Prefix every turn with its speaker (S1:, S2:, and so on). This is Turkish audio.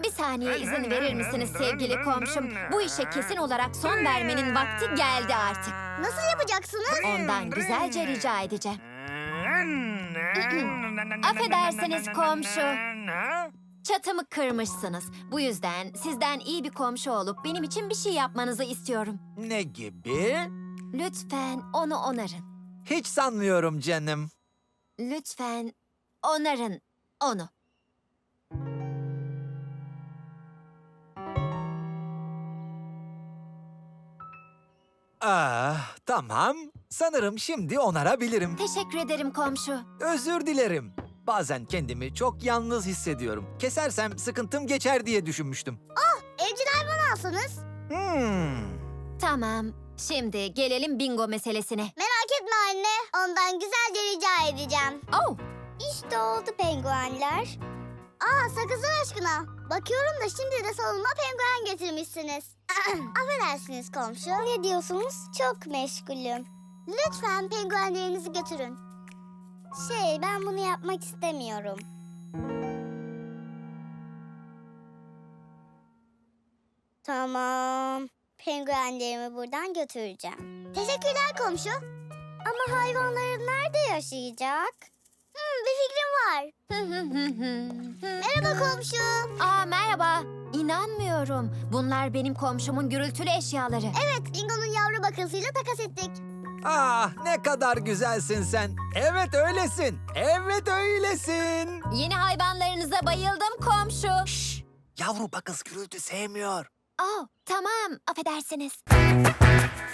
S1: Bir saniye izin verir misiniz sevgili komşum? Bu işe kesin olarak son vermenin vakti geldi artık.
S2: Nasıl yapacaksınız?
S1: Ondan güzelce rica edeceğim. Affedersiniz komşu. Çatımı kırmışsınız. Bu yüzden sizden iyi bir komşu olup benim için bir şey yapmanızı istiyorum.
S3: Ne gibi?
S1: Lütfen onu onarın.
S3: Hiç sanmıyorum canım.
S1: Lütfen onarın onu.
S3: Tamam. Sanırım şimdi onarabilirim.
S1: Teşekkür ederim komşu.
S3: Özür dilerim. Bazen kendimi çok yalnız hissediyorum. Kesersem sıkıntım geçer diye düşünmüştüm.
S2: Evcil hayvan alsanız.
S1: Tamam. Şimdi gelelim bingo meselesine.
S2: Merak etme anne. Ondan güzelce rica edeceğim.
S1: Oh,
S2: İşte oldu penguenler. Sakızlar aşkına. Bakıyorum da şimdi de salonuma penguen getirmişsiniz. Affedersiniz komşu. Ne diyorsunuz? Çok meşgulüm. Lütfen penguenlerinizi götürün. Ben bunu yapmak istemiyorum. Tamam. Penguenlerimi buradan götüreceğim. Teşekkürler komşu. Ama hayvanların nerede yaşayacak? Bir fikrim var. Merhaba komşu.
S1: Merhaba. İnanmıyorum. Bunlar benim komşumun gürültülü eşyaları.
S2: Evet, Bingo'nun yavru bakılsıyla takas ettik.
S3: Ne kadar güzelsin sen. Evet öylesin. Evet öylesin.
S1: Yeni hayvanlarınıza bayıldım komşu.
S3: Yavru bakız gürültü sevmiyor.
S1: Oh, tamam. Affedersiniz.